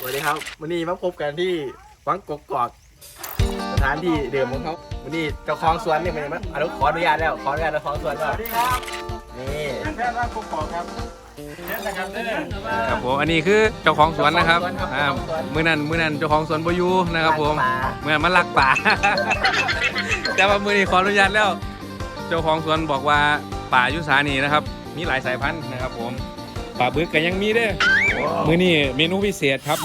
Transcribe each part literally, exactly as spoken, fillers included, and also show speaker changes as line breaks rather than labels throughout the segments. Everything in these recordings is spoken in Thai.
วัสดีครับวันนี้มาพบกันที่วังกกอกสถานที่เดิมของเขาวันนี้เจ้าของสวนนี่เป็นยังไงอนุขออนุญาตแล้วขออนุญาตเจ้าของสวนก่อน
สวัสดีครับ
นี่
แพทย์ร่างกกอกครับเช่นนะครับเนี่ย
ครับผมอันนี้คือเจ้าของสวนนะครับอ่ามือนั้นมือนั้นเจ้าของสวนบอยูนะครับผมเมื่อมันลักป่า แต่ว่ามือนี้ขออนุญาตแล้วเจ้าของสวนบอกว่าป่ายุสานีนะครับมีหลายสายพันธุ์นะครับผมป่าบึกก็ยังมีเด้อมือนี้เมนูพิเศษครับ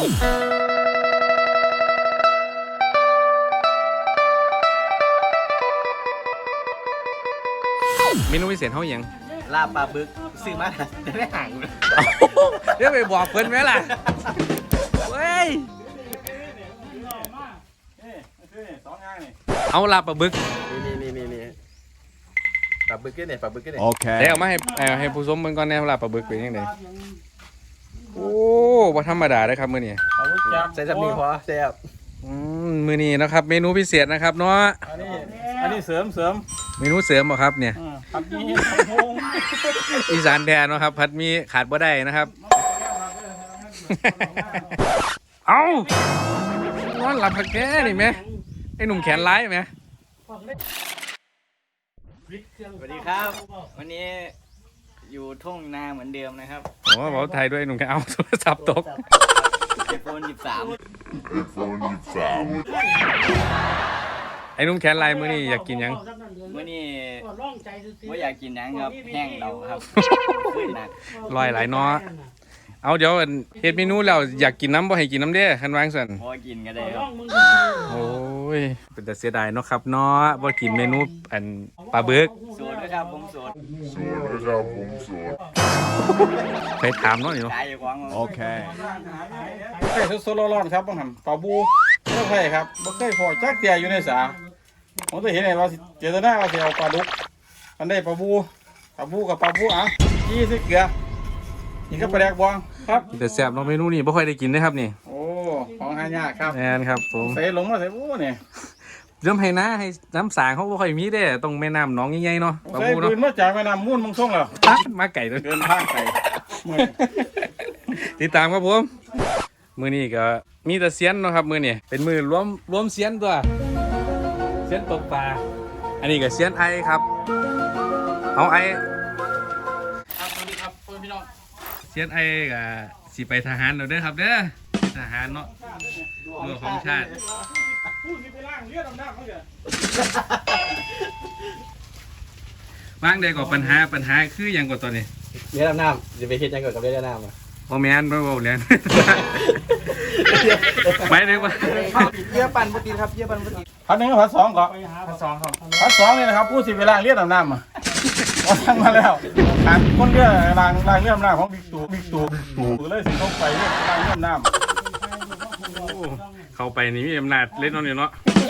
เมนูพิเศษเขาอย่าง
ลาบปลาบึกซื้อมาจะได้ห่าง
เดี๋ยวไปบอกเพิ่นไหมล่ะเว้ย
สองงานนี่
เอาลาบปลาบึก
นี่นี่นี่นี่ปลาบึกเนี่ยปลาบึกเนี่ย
เดี๋ยวเอามาให้เอาให้ผู้ชมเบิ่งก่อนแน่ลาบปลาบึกเป็นยังไงโอ้บ่ธรรมดาเลยครับมื้อนี้
เอาลูกจับ
ใส่จับนี่พอแซ่บ
อืมมื้อนี้นะครับเมนูพิเศษนะครับเนาะ
อันนี้อันนี้เสริมเสริม
เมนูเสริมบ่ครับเนี่ย
ผัดมีพง
อีสานแท้เนาะครับผัดหมีขาดบ่ได้นะครับ เอ้าร้อนหลับผักแก่นี่แม่ไอ้หนุ่มแขนร้ายแม่
สวัสดีครับ วันนี้อยู่ทุ่งนาเหมือนเดิมนะครับ
โอ้เว้าไทยด้วยหนุ่มแขนเอาโทรศัพท์ตก
ไอโฟนสิบสาม
ไอ้หนุ่มแขนลายมื้อนี้อยากกินหยัง
เมื่อนี้ว่าอยากกินหยังครับแห้งเราครับขึ้นหนัก
ลอยหลายเนาะเอาเดี๋ยวอันเฮ็ดเมนูแล้วอยากกินน้ำบ่ให้กินน้ำเด้คันวางซั่น
พอกินก็ได้ครับ
โอ้ยเป็นแต่เสียดายเนาะครับเนาะบ่กินเมนูอันปลาบึก
โสดด้วยครับผมโสด
ไปถามเนาะนี่เนาะ
ตายอยู่กวางโอเค
ไข่สดๆร้อนๆครับบังหันปลาบูไม่ใช่ครับบ่เคยพอจักเตียอยู่ในสาผมจะเห็นไงว่าเจตนาว่าจะเอาปลาดุกอันได้ปลาบูปลาบูกับปลาบูอ่ะยี่สิเกลือนี่ก็ปลาแดกบองครับ
แต่แซ่บเนาะเมนูนี้บ่ค่อยได้กินเด้ครับนี่
โอ้ของหายากครับ
แม่นครับผม
ใส่ลงมาใส่บูเนี่ย
เริ่มให้นะให้น้ำสางเขาบ่ค่อยมีเด้ต้องแม่น้ำหนองใหญ่ๆเนาะปลา
ใส่
บูเนาะ
ปืนมาจากแม่น้ำมูลมึงส่งแล้ว
ตัดมาไก่ตัว
เดินทางไกลเมื่อย
ติดตามครับผมมื้อนี้ก็มีแต่เซียนเนาะครับมื้อนี้เป็นมื้อรวมรวมเซียนตัวเซียนตกปลาอันนี้ก็เซียนไอครับเอาไอ
ครับสวัสดีครับพี่น้อง
เซียนไอกับสิไปทหารเราเด้อครับเด้อทหารเนาะเรื่องของชาติ
พูดสิไปล่างเลือดดำๆเขาเดี๋ยว
ว่างใดก็ปัญหาปัญหาคืออย่างกว่าตอนนี้
เลี้ยงน้ำจะไปเฮ็ดยังไงกับเลี้ยงน้ำอ่ะ
บ่แม่นบ่บ่เรียน ไปเลยว่า
เยี่ยปั่นปกติครับเยี่ยปั่นปกติ
พันหนึ่งกับพันสองก่อนพันสองครับพันสองนี่นะครับพูดสิไปล่างเลือดดำๆอ่ะเอาทั้งมาแล้วการคนเลือดล่างล่างเลือดดำๆของบิ๊กตู่บิ๊กตู่ตู่เลยสิเขาไปเลือดล่างเลือดดำ
เข้าไปนี่มีอำนาจเล่นเนาะนี่เนาะ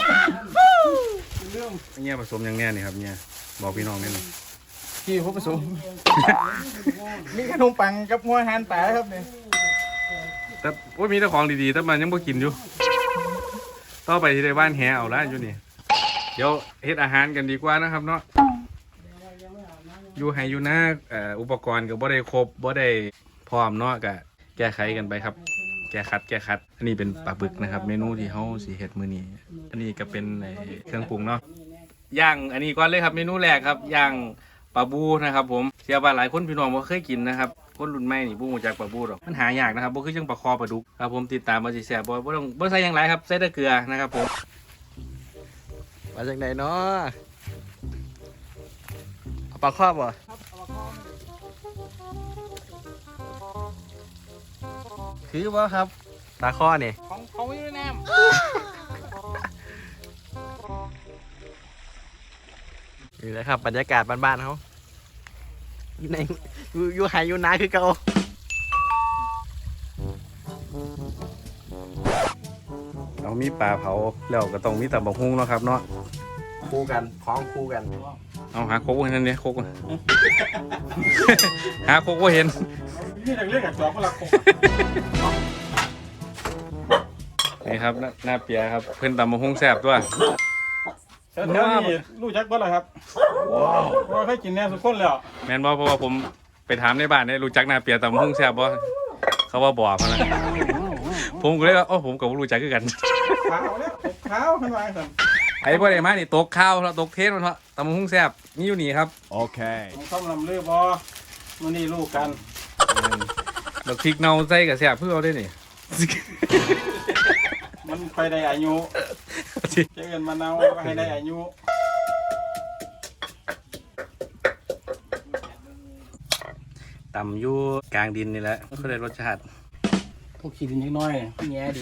เนี่ยผสมอย่างแน่นี่ครับเนี่ยบอกพี่น้องแน่นอน
ที่ผู้ผสมมีขนมปังกับหัวหันแปะครับเนี่ย
แต่โอ้ยมีแต่ของดีๆแต่มันยังบ่กินอยู่ต่อไปที่ได้บ้านแหเอาละอยู่นี่เดี๋ยวเฮ็ดอาหารกันดีกว่านะครับเนาะอยู่ให้อยู่นะเอ่ออุปกรณ์ก็บ่ได้ครบบ่ได้พร้อมเนาะก็แก้ไขกันไปครับ แก้คัดแก้คัดอันนี้เป็นปลาบึกนะครับ เมนูที่เฮาสิเฮ็ดมื้อนี้อันนี้ก็เป็นไอ้เครื่องปรุงเนาะย่างอันนี้ก่อนเลยครับเมนูแรกครับย่างปลาบูนะครับผมเชื่อว่าหลายคนพี่น้องบ่เคยกินนะครับคนรุ่นใหม่นี่บ่รู้จักปลาบูหรอกมันหายากนะครับบ่คือจังปลาคอปลาดุกครับผมติดตามมาสิแซ่บบ่บ่ต้องบ่ใส่หยังหลายครับใส่แต่เกลือนะครับผม
มาจากไหนเนาะเอาปลาครอบบ่คือว่าครับปลาข้อนี่
ของเขาอยู่ในน้ำ
นี่แหละครับบรรยากาศบ้านๆเขาอยู่ในอยู่อยู่ไฮอยู่นาคือเก่า
เรามีปลาเผาแล้วก็ต้องมีตำบักหุ่งเนาะครับเนาะ
คู่กันพร้อมคู่กัน
เอาหาโคกไว้นั่นเนี่ยโคก หาโคกบ่เห็น
นี่เรื่องกับจอบก็รักผม
นี่ครับหน้าหน้าเปียครับเพิ่นตำบักหุ่งแซ่บตัว
แถวนี้รู้จักบ่ล่ะครับว้าวว่าเคยกินแน่สุดคนแล้ว
แม่นบ่เพราะว่าผมไปถามในบ้านเนี่ยรู้จักหน้าเปียตำบักหุ่งแซ่บบ่เขาว่าบ่มาแล้วผมก็เลยว่าโอ้ผมกับรู้จักคือกัน
ขาวแล้วตกขาวขึ้นมาสั่น
ไอ้พวกไอ้มานี่ตกข้าวแล้วตกเทสมันเพราะตำบักหุ่งแซ่บนี่อยู่นี่ครับ
ผมต้องลำเลือบอมื้อนี้ลูกกัน
ดอกพริกเน่าใส่กับแซ่บเพื่อเอาได้นี่
มันไปได้อายุเจอกันมะนาวก็ให้ได้อายุ
ตำอยู่กลางดินนี่แหละก็ได้รสชาติ
ทุกขีดนิดน้อยแง่ดี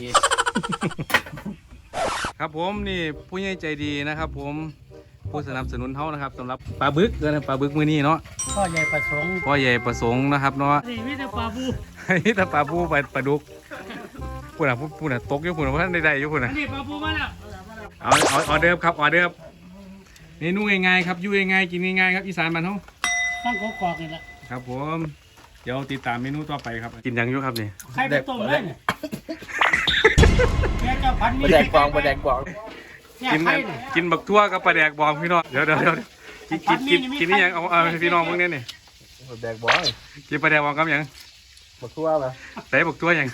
ครับผมนี่ผู้ใหญ่ใจดีนะครับ ผมผู้สนับสนุนเท่านะครับสำหรับปลาบึกนะปลาบึกมือนี้เนาะ
พ่อใหญ่ประสงค์
พ่อใหญ่ประสงค์นะครับเนาะ
นี่มิตรปลาบู
นี่ถ้าปลาบูปลาปลาดุกพูดนะพูดนะตกอยู่พูดนะว่าท่านใดๆอยู่พูดนะ
นี่ปลาบูมาแล้ว
เอาเอาออเดิร์ฟครับออเดิร์ฟเมนูง่ายๆครับอยู่ง่ายๆกินง่ายๆครับอีสานบ้านเฮา
ตั้งกกอกนี่แหละ
ครับผมเดี๋ยวติดตามเมนูต่อไปครับกินยังอยู่ครับนี่
ใครไปต้มเลยเนี่ยแกจะพัน
ป
มี
ลาแดกกวางปลาแดกกวาง
เนี่ย
กิน
ใครเนี่ย
กินบักทั่วกับปลาแดกบองพี่น้องเดี๋ยวเดี๋ยวเดี๋ยวกินกินกินกินนี่ยังเอาเอาพี่น้องพวกนี้นี่
ปลาแดกบวาง
กินปลาแดกบองกับหยัง
มาทั่วมา
ใส่บักทั่วหยัง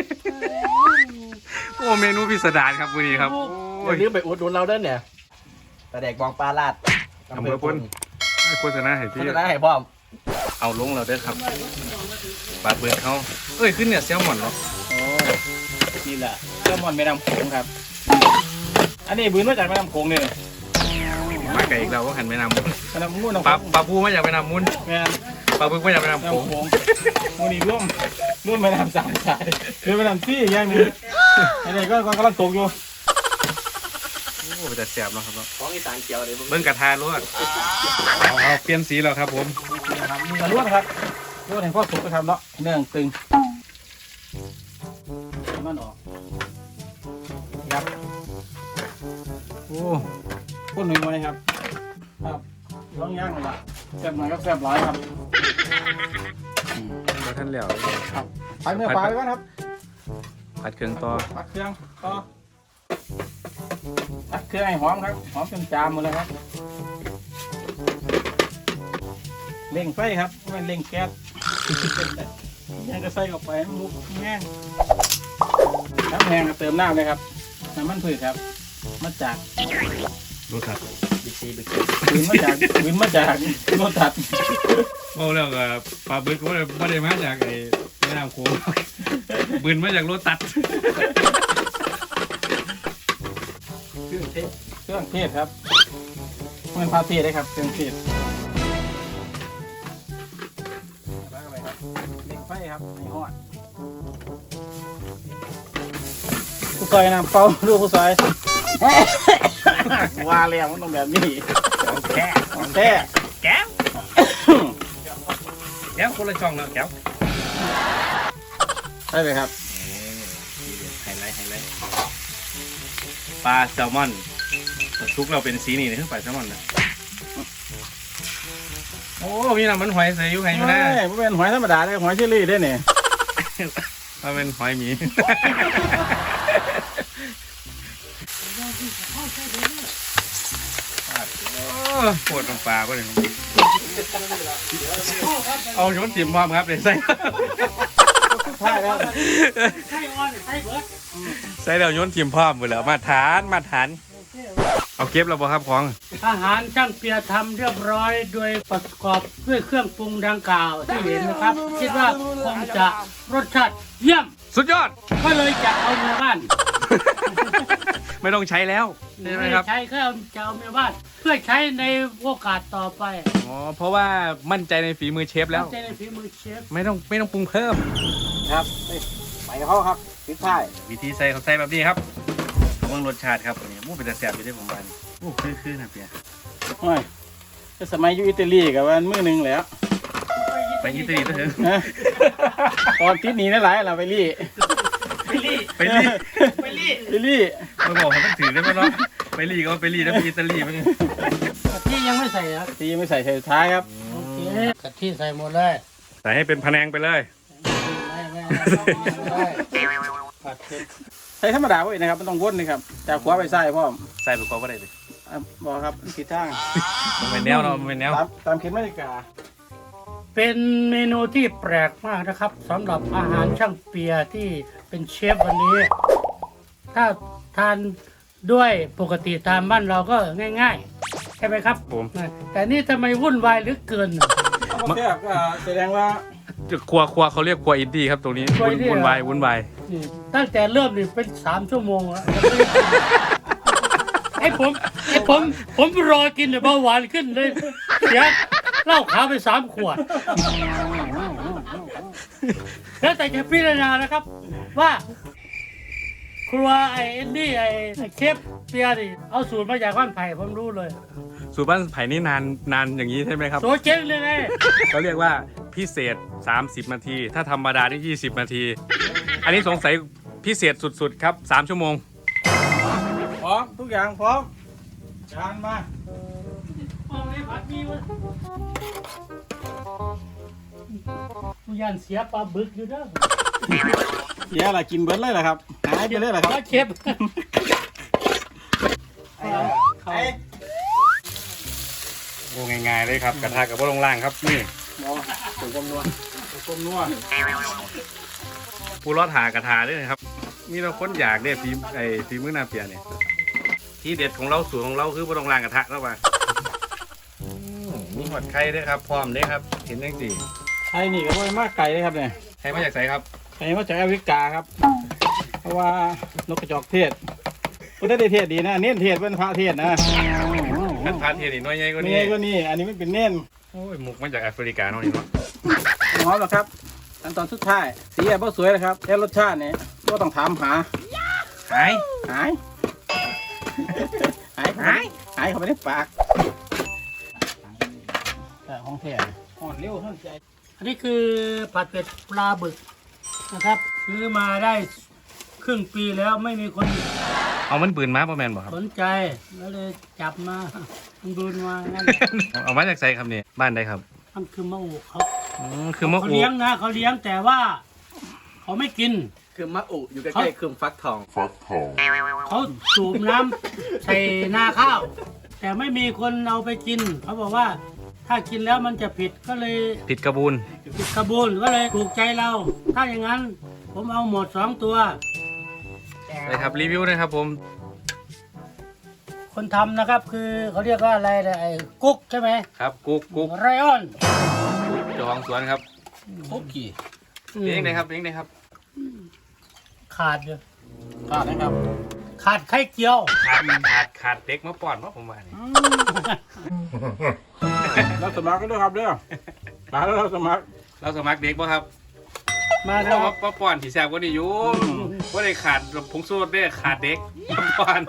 โอ้เมนูพิสดารครับวันนี้ครับ
อ
โอ้ย
ย่าลืมไปอุดหนุนเราเด้อเนี่ยปลาแดกบวางปลาลาด
อำเภอพลโฆษณาให้
โฆ
พี่
ษณาให้พร้อม
เอาลงแล้วเด้อครับปลาเบิกเขาเอ้ยขึ้นเนี่ยแซลมอนเนาะ
โอ้นี่แหละเจ้ามอนแม่น้ำโขงครับ อันนี้บืนมาจากแม่น้ำโขงเนี่ย
มาไก่อีกแล้วว่าหันไปนำ
แม่น้ำมูนน้ำ
ป
โข
ลาง ปลาปูมาจากไปนำมุน
แม่น
ปลาบึกมาจากไปนำ
แม่
โขง
น้ำโขงมูนี่ร่วมร่วมแม่น้ำสามสายคือแม่น้ำซี่อย่างนี้อันนี้ก็กำลังตกอยู่
โอ้ไปแต่แสบเนาะครับเนาะ
ของอีสานเกียวเลย
เบิ้งกระทาลวดเอาเอาเปลี่ยนสีแล้วครับผม
นะครับมีกระลวดครับลวดแห่งพ่อสุกนะครับเนาะเนื่องตึงมันออกครับ
โอ้
พูดหนึ่งไว้ครับครับร้องย่างเลยละแซ่บหน่อยครับแซ่บหลายครับ
มาท่านแล้ว
ครับไปเนื้อปลาไปก่อนครับ
ผัดเครื่องต่อ
ปัดเครื่องต่อปัดเครื่องให้หอมครับหอมจนจามหมดเลยครับเร่งไฟครับไม่เร่งแก๊สยังก็ใส่ออกไปให้มันลุกแห้งน้ำแห้งก็เติมน้ำเลยครับน้ำมันพืชครับมาจาก
รสถัด
บิ๊กซีบิ๊ก
ปืนมาจากปืนมาจากรถตัด
โอ้แล้วก็ปลาบึกก็ไม่ได้มาจากไอ้แม่น้ำโขงบืนมาจากรถตัด
เครื่องเทศ
เครื่องเทศครับมันพาเทศได้ครับเครื่องเทศล้างอะไรครับเร่งไฟครับให้หอดผู้ซอยน้ำเปล่าดูผู้ซอย ว่าแล้วมันต้องแบบนี้
ของแก้
ของแท้
แก้วแก้วคนละช่องแล้วแก้ว
ใช่ไหมครับ
ไฮไลท์ไฮไลท์ปลาแซลมอนทุกเราเป็นสีนี่คือปลาแซลมอนนะโอ้มีน้ำมันหอยใส่อยู่ไงอยู่นะ
ไม่ไม่เป็นหอยธรรมดาเลยหอยเชอรี่ได้เนี่ย
มันเป็นหอยหมีปวดตรงปลาป่ะเนี่ยเอาโยนติ่มพร้อมครับเดี๋ยวใส่
ใช่แล้ว
ใช่ออนใช่เบิร์ด
ใส่เดี๋ยวโยนติ่มพร้อมหมดแล้วมาทานมาทานเอาเก็บแล้วบ่ครับของ
อาหารช่างเปียทำเรียบร้อยโดยประกอบด้วยเครื่องปรุงดังกล่าวที่เห็นนะครับ คิดว่าคงจะรสชาติเยี่ยม
สุดยอด
ก็เลยจะเอาเมียบ้าน
ไม่ต้องใช้แล้วใช่ไหมครับ
ใช้แค่จะเอาเมียบ้าน เพื่อใช้ในโอกาสต่อไป
อ๋อเพราะว่ามั่นใจในฝีมือเชฟแล้ว
ใจในฝีมือเชฟ
ไม่ต้องไม่ต้องปรุงเพิ่ม
ครับไปกับเขาครับปิดท้าย
วิธีใส่เขาใส่แบบนี้ครับเบิ่งรสชาติครับอันนี้มูเป็นแต่แซ่บอยู่ได้ผมว่านี่โอ้คือคือนะเปีย
โอ้ยก็สมัยอยู่อิตาลีกับวันมื้อหนึ่งแล้ว
ไปอิตาลีเถอะ
นะตอนติดหนีนั่นหลายเราไปรี่
ไปรี
ไปรี
ไปรี
ไปรี่
มาบอกเขาต้องถือได้ไหมเนาะไปรีก็ไปรีแล้วไปอิตาลีมัน
กะทิยังไม่ใส่ครับ
ตีไม่ใส่ใส่สุดท้ายครับ
โอเคกะทิใส่หมดเลย
ใส่ให้เป็นพะแนงไปเลย
ไม่ไม่ไม่ผัดเผ็ด
ใส่ธรรมดาไว้นะครับไม่ต้องวนนะครับจากขวาไปซ้ายพ่อม
ใส่ไปก็ได้เลย
อ่ะบอกครับผิดทาง
มันเป็นแนวเนาะมันเป็นแนว
ตามตามเข็มนาฬิกา
เป็นเมนูที่แปลกมากนะครับสำหรับอาหารช่างเปียที่เป็นเชฟวันนี้ ถ้าทานด้วยปกติตามบ้านเราก็ง่ายๆ ใช่ไหมครับ
ผม
แต่นี่ทำไมวุ่นวายเหลือเกิน
เอามาแซ่บก็แสดงว่า
ครัวครัวเขาเรียกครัวอินดี้ครับตรงนี้
ครัว
วุ่
อิ
น
นดี้
วุ่น
เหรอ
วายวุ่นวาย
นี่ตั้งแต่เริ่มนี่เป็นสามชั่วโมงแล้ว ไอ้ผมไอ้ผมผมรอกินแต่เบาหวานขึ้นเลยเสียเหล้าขาวไปสามขวด แล้วแต่จะพิจารณานะครับ ว่า ครัวไอ้เอ็นดี้ไอ้เชฟเปียนี่เอาสูตรมาจากบ้านไผ่ผมรู้เลย
สูตรบ้านไผ่นี่นานนานอย่างนี้ใช่ไหมครับ
โซเจ๊งเลยไง
เขาเรียกว่าพิเศษสามสิบนาที ถ้าธรรมดาที่ยี่สิบนาที อันนี้สงสัยพิเศษสุดๆครับสามชั่วโมง
พร้อมทุกอย่างพร้อมจานมา
ทุกอย่างเสียปลาบึกอยู่เด้อ
เดี๋ยวอะไรกินเบิร์ดเลยเหรอครับหายไปเลยเหรอครับ
แล้วเชฟ
โอ้ง่ายๆเลยครับกระทะกับพวกลงล่างครับนี่
บอถูกกลมนัวถูกกลมนัว
ผู้รอดหากระทะด้วยนะครับมีเราค้นอยากได้ฝีไอ้ฝีมือนาเปียเนี่ยที่เด็ดของเราสูตรของเราคือพวกลงล่างกระทะแล้วมามีหอดไข่ด้วยครับพร้อมเลยครับเห็นยังจี
ไอ้นี่ก็ไม่มากไก่เลยครับเนี่ย
ไข่มาจากไหนครับ
ไก่มาจากแอฟริกาครับ เพราะว่านกกระจอกเทศก็ได้เทศดีนะเน้นเทศเป็นพระเทศนะ
นันพาเทียนอีกน้อยใหญ่กว่า
นี่
นี้
ก็นี่อันนี้ไม่เป็นเน้น
โอ้ยหมุกมาจากแอฟริกาเนาะนี่เนาะ
หอมหรอครับขั้นตอนสุดท้ายสีแอบสวยนะครับแค่รสชาติเนี่ยก็ต้องถามหา
หาย
หายหายหายหายเข้าไปในปากแต่ของแท้อ่อนเร็วท่านใจ
อันนี้คือผัดเผ็ดปลาบึกนะครับซื้อมาได้ครึ่งปีแล้วไม่มีคน
เอามันปืนมาป่ะแมนบ่ครับ
สนใจแล้วเลยจับมามันดูมางั้น
เอามาจากไซครับนี่บ้านใดครับ
มันคือมะอูเขา
อืมคือมะ
เขา
อู
เลี้ยงนะเขาเลี้ยงแต่ว่า เขาไม่กิน
คือมะอุอยู่ใกล้ๆคือฟักทอง
เขาสูบน้ำใส่นาข้าว แต่ไม่มีคนเอาไปกิน เขาบอกว่าถ้ากินแล้วมันจะผิดก็เลย
ผิดกระบูน
ผิดขบูนก็เลยถูกใจเรา ถ้าอย่างนั้น ผมเอาหมดสองตัว
เลยครับรีวิวนะครับผม
คนทำนะครับคือเขาเรียกว่าอะไรนะไอ้กุ๊กใช่ไหม
ครับกุ๊กกุ๊ก
ไรออน
เจ้าของสวนครับ
คุกกี้
เพลงไหนครับเพลงไหนครับ
ขาดอยู่
ขาดนะครับ
ขาดไข่เจียว
ขาดขาดขาดเด็กมาป้อนว่าผมว่านี่
เราสมัครกันด้วยครับเด้อมาแล้วเราสมัคร
เราสมัครเด็กป่ะครับ
มาแล้
เรา
ว
มามาป้อนที่แซ่บกว่านี้อยู่ว่าได้ขาดผงสูตรได้ขาดเด็กมาป้อน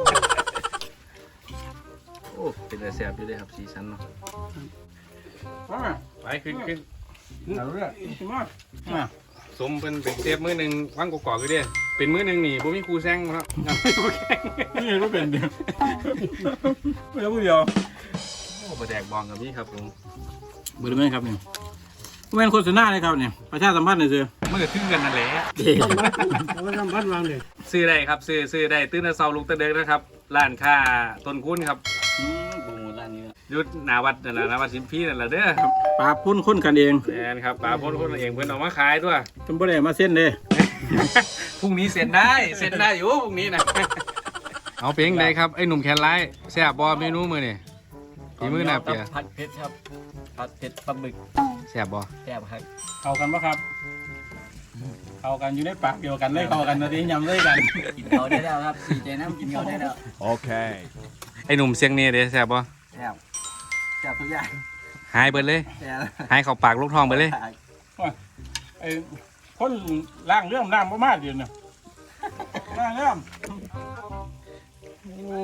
โอ้เป็นแต่แซ่บอยู่เลยครับสีสันเนาะ
ว่า
ไปขึ้นขึ้น
เอาเรื่องมามา
สมเป็นเป็นเซฟมือหนึ่งว่างกอกๆอยู่เด้เป็นมือหนึ่งนี่ผมมีครูแซงครับงานครูแข่ง
นี่ก็เป็นเดียวไม่เอาผู้เดียว
โอ้ประแดกบองกับนี่ครับผม
บริเวณครับนี่บริเวณโฆษณาเลยครับเนี่ยประชาสัมพันธ์เลยเสือ
มันก็ทึ่งกันนั่นแหละ
เอาไปทำพัดวางเลย
ซื้อได้ครับซื้อซื้อได้ตื้นตะเซาลุกตะเด็กนะครับร้านค้าต้นคุ้นครับ
อืมโปรโมทร้านนี้
ยุดหนาวัดนั่นแหละหนาวัดสิมพีนั่นแหละเด้อ
ปลาพุ่นคนกันเอง
แอนครับป๋าพ้นคนเองเพื่อนเอามาขายด้วย
เป็นบริเวณมาเส้นเลย
พรุ่งนี้เซ็นได้เซ็นได้อยู่พรุ่งนี้นะเอาเพลงใดครับไอ้หนุ่มแคนไลท์แซ่บบอเมนูมือนี่ฝีมือหน้าเปีย
ผัดเผ็ดครับผัดเผ็ดปลาบึก
แซ่บบอ
แซ่บครับ
เข้ากันปะครับเข้ากันอยู่ในปากเดียวกันเลยเข้ากันตอนนี้ยำเลยกัน
กินเขาได้แล้วครับดีใจน้ำกินเขาได้แล้ว
ไอ้หนุ่มเสียงเน่เด้แซ่บบอ
แซ่บแซ่บทุกอย่าง
หายเบิดเลย
แซ่บ
หายเข้าปากลูกทองไปเลย
ไอ้คนล่างเรื่องน้ำประมาณเดียวเนี่ยล่างเรื่อง
โอ้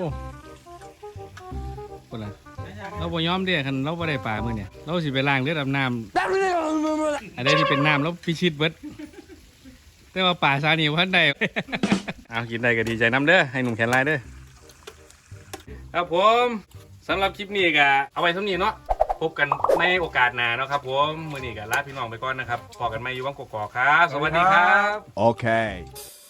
คนละเราบ่ยอมเด้คันเราบ่ได้ปลามื้อเนี่ยเราสิไปล้างเลือดอาบน้ำอันใดที่เป็นน้ำแล้วพิชิตเบิดแต่ว่าป่าซานี่พันใด เอากินได้ก็ดีใจน้ำเด้อให้หนุ่มแขนลายเด้อครับผมสำหรับคลิปนี้ก็เอาไว้เท่านี้เนาะพบกันในโอกาสหน้าเนาะครับผมมื้อนี้ก็ลาพี่น้องไปก่อนนะครับพอกันใหม่อยู่วังกอกๆครับสวัสดีครับ
Okay.